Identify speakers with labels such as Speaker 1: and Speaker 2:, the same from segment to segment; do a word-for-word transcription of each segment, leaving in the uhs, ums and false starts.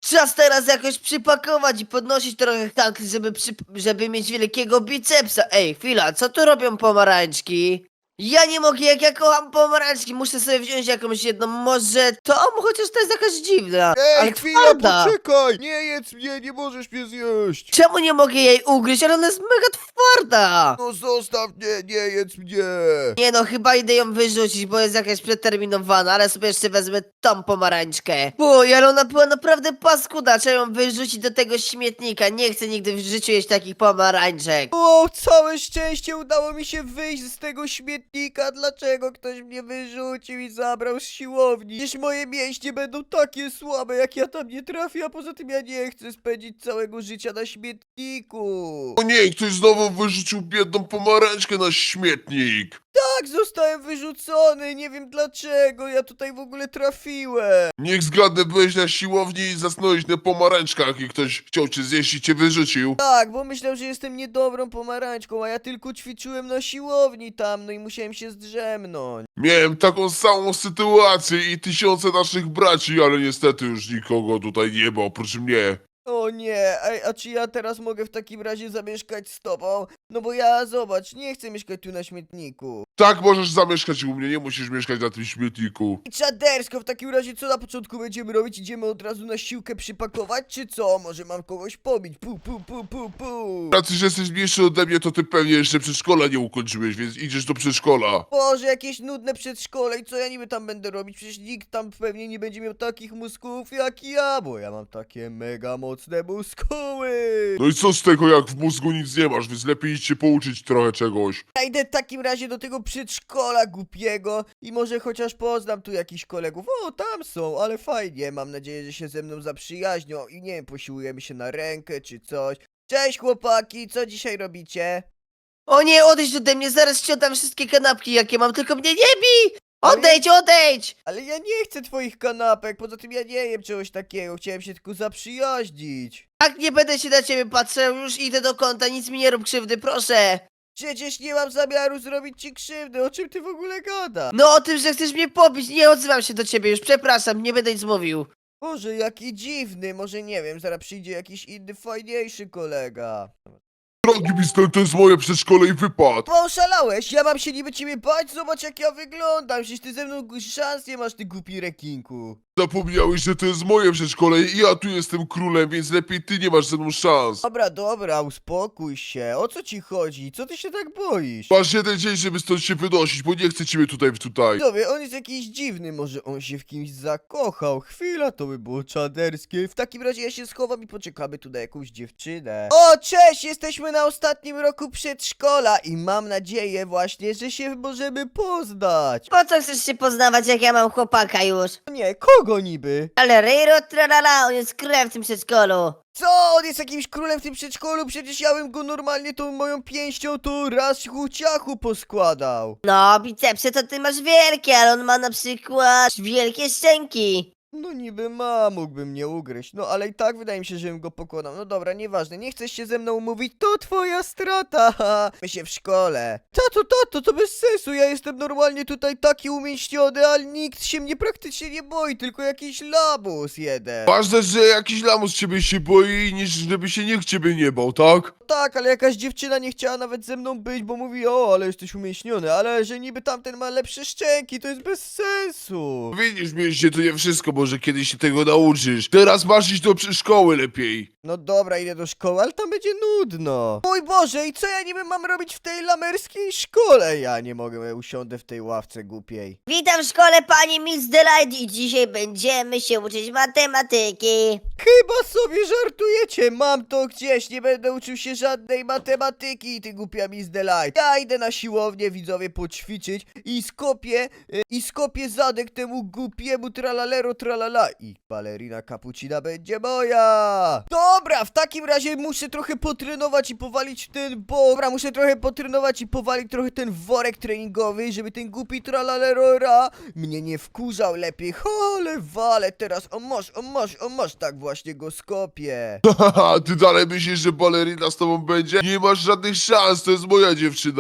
Speaker 1: Czas teraz jakoś przypakować i podnosić trochę hankli, żeby, przy... żeby mieć wielkiego bicepsa. Ej, chwila, co tu robią pomarańczki? Ja nie mogę, jak ja kocham pomarańczki, muszę sobie wziąć jakąś jedną, może tą, chociaż to jest jakaś dziwna, ale
Speaker 2: Ej, chwila,
Speaker 1: twarda.
Speaker 2: poczekaj! Nie jedz mnie, nie możesz mnie zjeść!
Speaker 1: Czemu nie mogę jej ugryźć, ale ona jest mega twarda.
Speaker 2: No zostaw mnie, nie jedz mnie!
Speaker 1: Nie no, chyba idę ją wyrzucić, bo jest jakaś przeterminowana, ale sobie jeszcze wezmę tą pomarańczkę. Uj, ale ona była naprawdę paskuda, trzeba ją wyrzucić do tego śmietnika, nie chcę nigdy w życiu jeść takich pomarańczek.
Speaker 2: O, całe szczęście udało mi się wyjść z tego śmietnika. Dlaczego ktoś mnie wyrzucił i zabrał z siłowni? Przecież moje mięśnie będą takie słabe, jak ja tam nie trafię, a poza tym ja nie chcę spędzić całego życia na śmietniku.
Speaker 3: O nie, ktoś znowu wyrzucił biedną pomarańczkę na śmietnik.
Speaker 2: Tak, zostałem wyrzucony, nie wiem dlaczego, ja tutaj w ogóle trafiłem.
Speaker 3: Niech zgadnę, byłeś na siłowni i zasnąłeś na pomarańczkach i ktoś chciał cię zjeść i cię wyrzucił.
Speaker 2: Tak, bo myślał, że jestem niedobrą pomarańczką, a ja tylko ćwiczyłem na siłowni tam, no i musiałem się zdrzemnąć.
Speaker 3: Miałem taką samą sytuację i tysiące naszych braci, ale niestety już nikogo tutaj nie ma oprócz mnie.
Speaker 2: O nie, ej, a czy ja teraz mogę w takim razie zamieszkać z tobą? No bo ja, zobacz, nie chcę mieszkać tu na śmietniku.
Speaker 3: Tak, możesz zamieszkać u mnie, nie musisz mieszkać na tym śmietniku.
Speaker 2: I czadersko, w takim razie co na początku będziemy robić? Idziemy od razu na siłkę przypakować, czy co? Może mam kogoś pobić? Pu, pu, pu, pu, pu.
Speaker 3: Raczej, że jesteś mniejszy ode mnie, to ty pewnie jeszcze przedszkola nie ukończyłeś, więc idziesz do przedszkola.
Speaker 2: Boże, jakieś nudne przedszkole i co ja niby tam będę robić? Przecież nikt tam pewnie nie będzie miał takich mózgów jak ja, bo ja mam takie mega mocne mózgoły.
Speaker 3: No i co z tego, jak w mózgu nic nie masz, więc lepiej idź się pouczyć trochę czegoś.
Speaker 2: Ja idę w takim razie do tego przedszkola głupiego i może chociaż poznam tu jakichś kolegów. O, tam są, ale fajnie. Mam nadzieję, że się ze mną zaprzyjaźnią i nie wiem, posiłujemy się na rękę czy coś. Cześć chłopaki, co dzisiaj robicie?
Speaker 1: O nie, odejdź ode mnie, zaraz ci oddam wszystkie kanapki jakie mam, tylko mnie nie bij! Odejdź, odejdź!
Speaker 2: Ale ja nie chcę twoich kanapek, poza tym ja nie jem czegoś takiego, chciałem się tylko zaprzyjaźnić.
Speaker 1: Tak, nie będę się na ciebie patrzył, już idę do kąta, nic mi nie rób krzywdy, proszę.
Speaker 2: Przecież nie mam zamiaru zrobić ci krzywdy, o czym ty w ogóle gadasz?
Speaker 1: No o tym, że chcesz mnie pobić, nie odzywam się do ciebie już, przepraszam, nie będę nic mówił.
Speaker 2: Boże, jaki dziwny, może nie wiem, zaraz przyjdzie jakiś inny, fajniejszy kolega.
Speaker 3: Drogi mister, to jest moje przedszkole i wypad.
Speaker 2: Bo oszalałeś, ja mam się niby ciebie bać, zobacz jak ja wyglądam, przecież ty ze mną szans nie masz, ty głupi rekinku.
Speaker 3: Zapomniałeś, że to jest moje przedszkole i ja tu jestem królem, więc lepiej ty nie masz ze mną szans.
Speaker 2: Dobra, dobra, uspokój się, o co ci chodzi, co ty się tak boisz?
Speaker 3: Masz jeden dzień, żeby stąd się wynosić, bo nie chcę ciebie tutaj tutaj.
Speaker 2: Dobra, on jest jakiś dziwny, może on się w kimś zakochał, chwila, to by było czaderskie, w takim razie ja się schowam i poczekamy tu na jakąś dziewczynę. O, cześć, jesteśmy na ostatnim roku przedszkola i mam nadzieję właśnie, że się możemy poznać.
Speaker 4: Po co chcesz się poznawać, jak ja mam chłopaka już?
Speaker 2: Nie, kogo niby?
Speaker 4: Ale Rejro tralala, on jest królem w tym przedszkolu.
Speaker 2: Co? On jest jakimś królem w tym przedszkolu? Przecież ja bym go normalnie tą moją pięścią tu raz ciachu poskładał.
Speaker 4: No, bicepsy to ty masz wielkie, ale on ma na przykład wielkie szczęki.
Speaker 2: No niby ma, mógłbym mnie ugryźć, no ale i tak wydaje mi się, że bym go pokonał. No dobra, nieważne, nie chcesz się ze mną umówić, to twoja strata, haha. My się w szkole. Tato, tato, to bez sensu, ja jestem normalnie tutaj taki umieśniony, ale nikt się mnie praktycznie nie boi, tylko jakiś labus jeden.
Speaker 3: Ważne, że jakiś lamus ciebie się boi, niż żeby się nikt ciebie nie bał, tak?
Speaker 2: Tak, ale jakaś dziewczyna nie chciała nawet ze mną być, bo mówi, o, ale jesteś umieśniony, ale że niby tamten ma lepsze szczęki, to jest bez sensu.
Speaker 3: Widzisz, mieście, to nie wszystko, może kiedyś się tego nauczysz. Teraz masz iść do szkoły lepiej.
Speaker 2: No dobra, idę do szkoły, ale tam będzie nudno. Mój Boże, i co ja niby mam robić w tej lamerskiej szkole? Ja nie mogę, ja usiądę w tej ławce głupiej.
Speaker 4: Witam w szkole, pani Miss Delight, i dzisiaj będziemy się uczyć matematyki.
Speaker 2: Chyba sobie żartujecie, mam to gdzieś, nie będę uczył się żadnej matematyki, ty głupia Miss Delight. Ja idę na siłownię, widzowie, poćwiczyć i skopię, e, i skopię zadek temu głupiemu tralalero tralala i balerina cappuccina będzie moja. Dobra, w takim razie muszę trochę potrenować i powalić w ten bo... Dobra, muszę trochę potrenować i powalić trochę ten worek treningowy, żeby ten głupi tralalerora mnie nie wkurzał lepiej. Ale wale teraz, o masz, o masz, o masz, tak właśnie go skopię.
Speaker 3: Haha, ty dalej myślisz, że balerina z tobą będzie? Nie masz żadnych szans, to jest moja dziewczyna.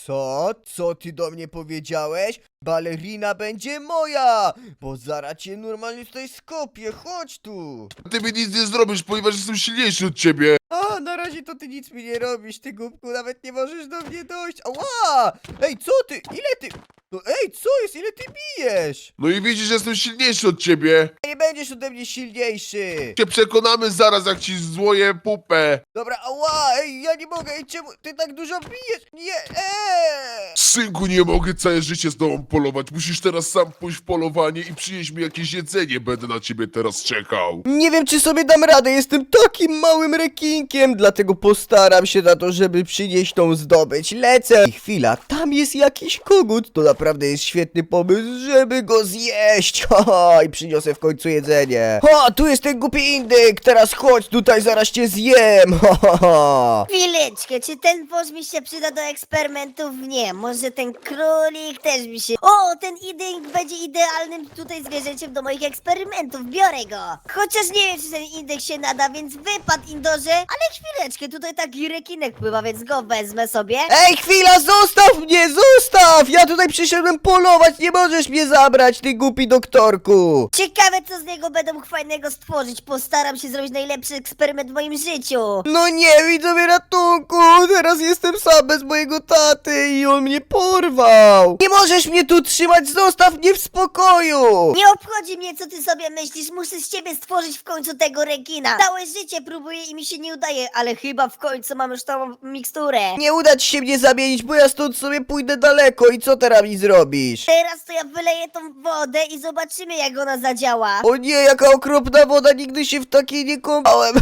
Speaker 2: Co? Co ty do mnie powiedziałeś? Balerina będzie moja! Bo zaraz cię normalnie tutaj skopię, chodź tu!
Speaker 3: Ty mi nic nie zrobisz, ponieważ jestem silniejszy od ciebie.
Speaker 2: A, na razie to ty nic mi nie robisz, ty głupku, nawet nie możesz do mnie dojść. Ała! Ej, co ty? Ile ty? No ej, co jest? Ile ty bijesz?
Speaker 3: No i widzisz, że jestem silniejszy od ciebie.
Speaker 2: Nie będziesz ode mnie silniejszy.
Speaker 3: Się przekonamy zaraz, jak ci złoję pupę.
Speaker 2: Dobra, ała, ej, ja nie mogę, ej, czemu ty tak dużo bijesz? Nie, eee!
Speaker 3: Synku, nie mogę całe życie z tobą polować. Musisz teraz sam pójść w polowanie i przynieść mi jakieś jedzenie. Będę na ciebie teraz czekał.
Speaker 2: Nie wiem, czy sobie dam radę, jestem takim małym rekinkiem, dlatego postaram się na to, żeby przynieść tą zdobycz. Lecę! I chwila, tam jest jakiś kogut, to naprawdę jest świetny pomysł, żeby go zjeść. Haha, i przyniosę w końcu jedzenie. Ha, tu jest ten głupi indyk, teraz chodź tutaj, zaraz cię zjem. Ha, ha, ha.
Speaker 4: Chwileczkę, czy ten wąż mi się przyda do eksperymentów? Nie, może ten królik też mi się... O, ten indyk będzie idealnym tutaj zwierzęciem do moich eksperymentów, biorę go. Chociaż nie wiem, czy ten indyk się nada, więc wypad, Indorze. Ale chwileczkę, tutaj taki rekinek pływa, więc go wezmę sobie.
Speaker 2: Ej, chwila, zostaw mnie, zostaw! Ja tutaj przyszedłem polować, nie możesz mnie zabrać, ty głupi doktorku.
Speaker 4: Ciekawe, co z niego będą fajnego stworzyć. Postaram się zrobić najlepszy eksperyment w moim życiu.
Speaker 2: No nie, widzowie, ratunku! Teraz jestem sam bez mojego taty i on mnie porwał! Nie możesz mnie tu trzymać, zostaw mnie w spokoju!
Speaker 4: Nie obchodzi mnie, co ty sobie myślisz. Muszę z ciebie stworzyć w końcu tego rekina. Całe życie próbuję i mi się nie udaje, ale chyba w końcu mam już tą miksturę.
Speaker 2: Nie uda ci się mnie zamienić, bo ja stąd sobie pójdę daleko i co teraz mi zrobisz?
Speaker 4: Teraz to ja wyleję tą wodę i zobaczymy, jak ona zadziała.
Speaker 2: O nie, jaka okropna woda, nigdy się w takiej nie kąpałem.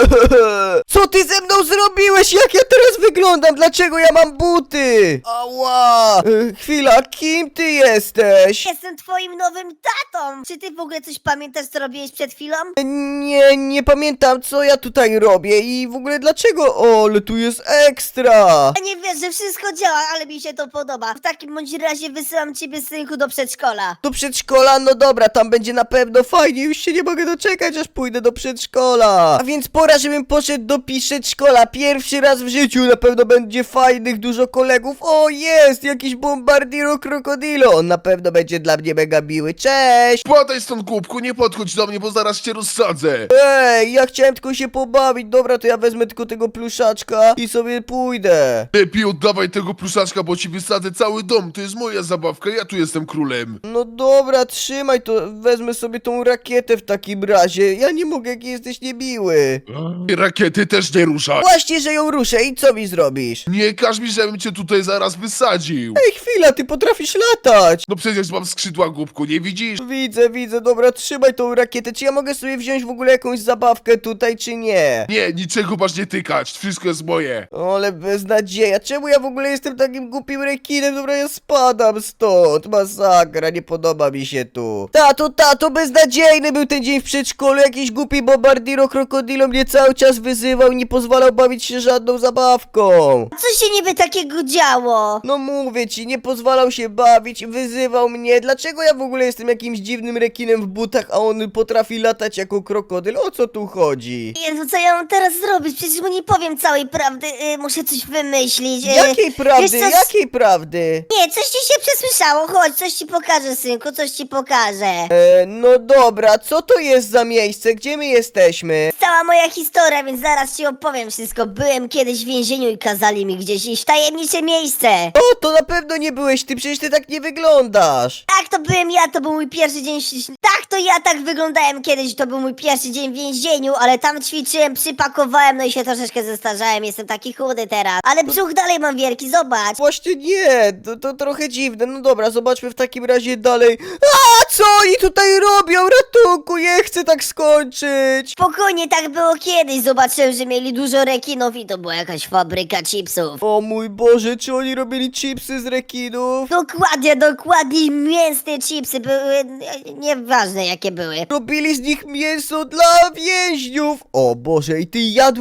Speaker 2: Co ty ze mną zrobiłeś? Jak ja teraz wyglądam? Dlaczego ja mam buty? Ała! E, Chwila, kim ty jesteś?
Speaker 4: Jestem twoim nowym tatą. Czy ty w ogóle coś pamiętasz, co robiłeś przed chwilą?
Speaker 2: Nie, nie pamiętam, co ja tutaj robię i w ogóle dlaczego. O, ale tu jest ekstra!
Speaker 4: Ja nie wiesz, że wszystko działa, ale mi się to podoba. W takim bądź razie wysyłam ciebie, synku, do przedszkola.
Speaker 2: Do przedszkola? No dobra, tam będzie na pewno fajnie, już się nie mogę doczekać, aż pójdę do przedszkola. A więc pora, żebym poszedł do przedszkola. Pierwszy raz w życiu, na pewno będzie fajnych, dużo kolegów. O, jest, jakiś bombardiro krokodilo. On na pewno będzie dla mnie mega miły. Cześć!
Speaker 3: Spadaj stąd, głupku, nie podchodź do mnie, bo zaraz cię rozsadzę.
Speaker 2: Ej, ja chciałem tylko się pobawić. Dobra, to ja wezmę tylko tego pluszaczka i sobie pójdę.
Speaker 3: Lepiej oddawaj tego pluszaczka, bo ci wysadzę cały dom. To jest moja zabawka, ja tu jestem królem.
Speaker 2: No dobra, trzymaj to, wezmę sobie tą rakietę w takim razie. Ja nie mogę, jaki jesteś niemiły.
Speaker 3: I rakiety też nie ruszaj.
Speaker 2: Właśnie, że ją ruszę i co mi zrobisz?
Speaker 3: Nie każ mi, żebym cię tutaj zaraz wysadził.
Speaker 2: Ej, chwila, ty potrafisz latać!
Speaker 3: No przecież mam skrzydła, głupku, nie widzisz?
Speaker 2: Widzę, widzę, dobra, trzymaj tą rakietę. Czy ja mogę sobie wziąć w ogóle jakąś zabawkę tutaj, czy nie?
Speaker 3: Nie, niczego masz nie tykać, wszystko jest moje.
Speaker 2: Ale beznadzieja, czemu ja w ogóle jestem takim głupim rekinem? Dobra, ja spadam stąd, masakra, nie podoba mi się tu. Tato, tato, beznadziejny był ten dzień w przedszkolu, jakiś głupi bombardiro krokodilo mnie cały czas wyzywał i nie pozwalał bawić się żadną zabawką.
Speaker 4: Co się niby takiego działo?
Speaker 2: No mówię ci, nie pozwalał się bawić, wyzywał mnie. Dlaczego ja w ogóle jestem jakimś dziwnym rekinem w butach, a on potrafi latać jako krokodyl? O co tu chodzi?
Speaker 4: Jezu, co ja mam teraz zrobić? Przecież mu nie powiem całej prawdy. Y, muszę coś wymyślić. Y,
Speaker 2: Jakiej prawdy?
Speaker 4: wiesz co,
Speaker 2: Jakiej prawdy?
Speaker 4: Nie, coś ci się przesłyszało. Chodź, coś ci pokażę, synku, coś ci pokażę.
Speaker 2: E, no dobra, co to jest za miejsce? Gdzie my jesteśmy?
Speaker 4: Cała moja historia, więc zaraz ci opowiem wszystko. Byłem kiedyś w więzieniu i kazali mi gdzieś iść w tajemnicze miejsce.
Speaker 2: O, to na pewno nie byłeś ty, przecież ty tak nie wyglądasz.
Speaker 4: Tak, to byłem ja, to był mój pierwszy dzień. w- Tak, to ja tak wyglądałem kiedyś, to był mój pierwszy dzień w więzieniu, ale tam ćwiczyłem, przypakowałem, no i się troszeczkę zestarzałem, jestem taki chudy teraz. Ale brzuch dalej mam wielki, zobacz.
Speaker 2: Właśnie nie, to, to trochę dziwne. No dobra, zobaczmy w takim razie dalej. A co oni tutaj robią? Ratunku, nie chcę tak skończyć.
Speaker 4: Spokojnie, tak było kiedyś, zobaczyłem, że mieli dużo rekinów i to była jakaś fabryka chipsów.
Speaker 2: O mój Boże, czy oni robili chipsy z rekinów?
Speaker 4: Dokładnie, dokładnie, mięsne chipsy były, e, nieważne jakie były.
Speaker 2: Robili z nich mięso dla więźniów. O Boże, i ty jadłeś rekiny?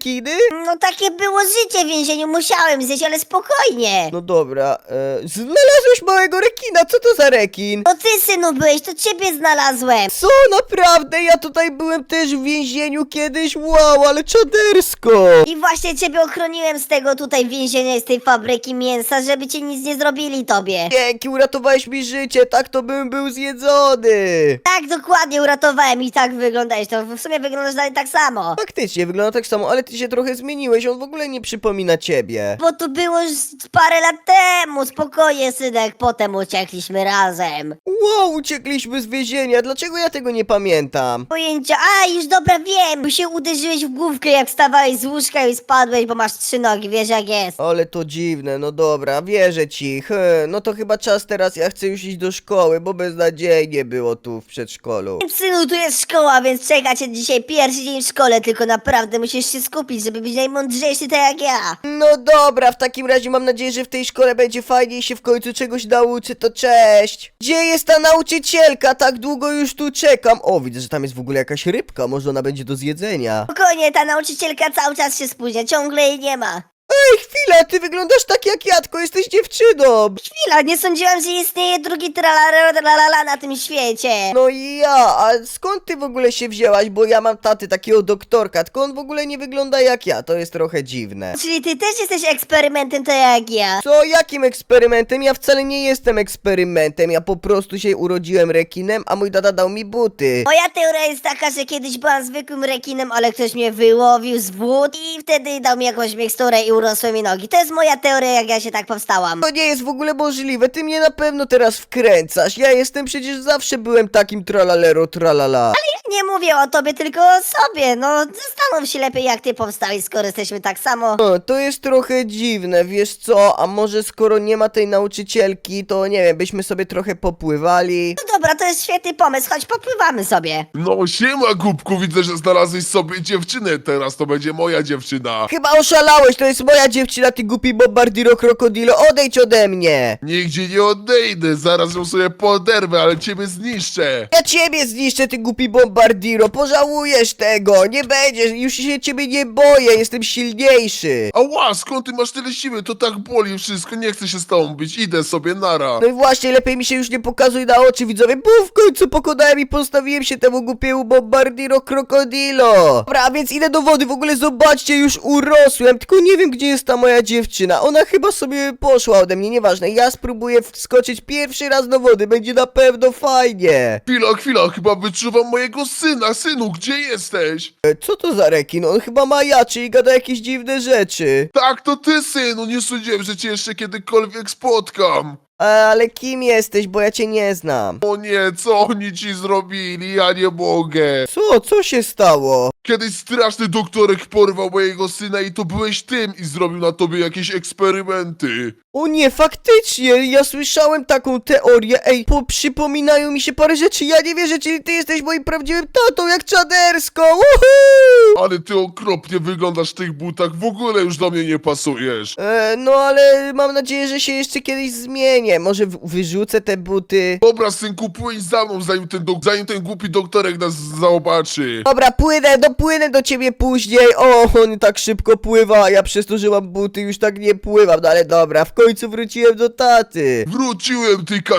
Speaker 2: rekiny?
Speaker 4: No takie było życie w więzieniu, musiałem zjeść, ale spokojnie.
Speaker 2: No dobra, e, znalazłeś małego rekina, co to za rekin?
Speaker 4: To ty, synu, byłeś, to ciebie znalazłem.
Speaker 2: Co, naprawdę? Ja tutaj byłem też w więzieniu kiedyś, wow, ale czadersko!
Speaker 4: I właśnie ciebie ochroniłem z tego tutaj więzienia i z tej fabryki mięsa, żeby ci nic nie zrobili tobie.
Speaker 2: Dzięki, uratowałeś mi życie, tak to bym był zjedzony!
Speaker 4: Tak, dokładnie, uratowałem i tak wyglądałeś, to w sumie wyglądasz dalej tak samo.
Speaker 2: Faktycznie, wygląda tak samo, ale ty się trochę zmieniłeś, on w ogóle nie przypomina ciebie.
Speaker 4: Bo to było już parę lat temu, spokojnie, synek, potem uciekliśmy razem.
Speaker 2: Wow, uciekliśmy z więzienia, dlaczego ja tego nie pamiętam?
Speaker 4: Pojęcia, a już dobra wiem, bo się uderzyłeś w główkę jak wstawałeś z łóżka i spadłeś, bo masz trzy nogi, wiesz jak jest.
Speaker 2: Ale to dziwne, no dobra, wierzę ci. He, no to chyba czas teraz, ja chcę już iść do szkoły, bo beznadziejnie było tu w przedszkolu.
Speaker 4: Synu, tu jest szkoła, więc czeka cię dzisiaj pierwszy dzień w szkole, tylko naprawdę musisz się skupić, żeby być najmądrzejszy tak jak ja.
Speaker 2: No dobra, w takim razie mam nadzieję, że w tej szkole będzie fajnie i się w końcu czegoś nauczy, to cześć! Gdzie jest ta nauczycielka? Tak długo już tu czekam. O, widzę, że tam jest w ogóle jakaś rybka, może ona będzie do zjedzenia.
Speaker 4: Spokojnie, ta nauczycielka cały czas się spóźnia, ciągle jej nie ma.
Speaker 2: Ej, chwila, ty wyglądasz tak jak ja, tylko jesteś dziewczyną!
Speaker 4: Chwila, nie sądziłam, że istnieje drugi tralala tralala na tym świecie.
Speaker 2: No i ja, a skąd ty w ogóle się wzięłaś? Bo ja mam taty, takiego doktorka, tylko on w ogóle nie wygląda jak ja, to jest trochę dziwne.
Speaker 4: Czyli ty też jesteś eksperymentem tak jak ja.
Speaker 2: Co, jakim eksperymentem? Ja wcale nie jestem eksperymentem, ja po prostu się urodziłem rekinem, a mój tata dał mi buty.
Speaker 4: Moja teoria jest taka, że kiedyś byłam zwykłym rekinem, ale ktoś mnie wyłowił z wód i wtedy dał mi jakąś miksturę i urosły mi nogi. To jest moja teoria, jak ja się tak powstałam.
Speaker 2: To nie jest w ogóle możliwe, ty mnie na pewno teraz wkręcasz, ja jestem przecież zawsze byłem takim tralalero tralala.
Speaker 4: Nie mówię o tobie, tylko o sobie. No, zastanów się lepiej, jak ty powstałeś, skoro jesteśmy tak samo.
Speaker 2: O, to jest trochę dziwne, wiesz co, a może skoro nie ma tej nauczycielki, to nie wiem, byśmy sobie trochę popływali.
Speaker 4: No dobra, to jest świetny pomysł, chodź popływamy sobie.
Speaker 3: No siema, głupku, widzę, że znalazłeś sobie dziewczynę, teraz to będzie moja dziewczyna.
Speaker 2: Chyba oszalałeś, to jest moja dziewczyna, ty głupi bombardiro krokodilo, odejdź ode mnie!
Speaker 3: Nigdzie nie odejdę, zaraz ją sobie poderwę, ale ciebie zniszczę.
Speaker 2: Ja ciebie zniszczę, ty głupi bombardiro, pożałujesz tego, nie będziesz, już się ciebie nie boję, jestem silniejszy.
Speaker 3: Ała, skąd ty masz tyle siły? To tak boli wszystko, nie chcę się z tobą bić, idę sobie, nara.
Speaker 2: No i właśnie, lepiej mi się już nie pokazuj na oczy, widzowie, bo w końcu pokonałem i postawiłem się temu głupiemu bombardiro krokodilo. Dobra, a więc idę do wody, w ogóle zobaczcie, już urosłem, tylko nie wiem, gdzie jest ta moja dziewczyna, ona chyba sobie poszła ode mnie, nieważne, ja spróbuję wskoczyć pierwszy raz do wody, będzie na pewno fajnie.
Speaker 3: Chwila, chwila, chyba wyczuwam mojego syna. Synu, gdzie jesteś?
Speaker 2: E, co to za rekin? On chyba ma jaczy i gada jakieś dziwne rzeczy.
Speaker 3: Tak, to ty, synu, nie sądziłem, że cię jeszcze kiedykolwiek spotkam.
Speaker 2: A, ale kim jesteś, bo ja cię nie znam.
Speaker 3: O nie, co oni ci zrobili? Ja nie mogę.
Speaker 2: Co? Co się stało?
Speaker 3: Kiedyś straszny doktorek porwał mojego syna i to byłeś tym i zrobił na tobie jakieś eksperymenty.
Speaker 2: O nie, faktycznie, ja słyszałem taką teorię, ej, po, przypominają mi się parę rzeczy, ja nie wierzę, czyli ty jesteś moim prawdziwym tatą, jak czadersko, woohoo!
Speaker 3: Ale ty okropnie wyglądasz w tych butach, w ogóle już do mnie nie pasujesz.
Speaker 2: E, no ale mam nadzieję, że się jeszcze kiedyś zmienię, może w- wyrzucę te buty.
Speaker 3: Dobra, synku, płyń za mną, zanim ten, dok- zanim ten głupi doktorek nas zobaczy.
Speaker 2: Dobra, płynę, dopłynę do ciebie później, o, on tak szybko pływa, a ja przez to, że mam buty już tak nie pływam, no ale dobra, w końcu wróciłem do taty.
Speaker 3: Wróciłem, ty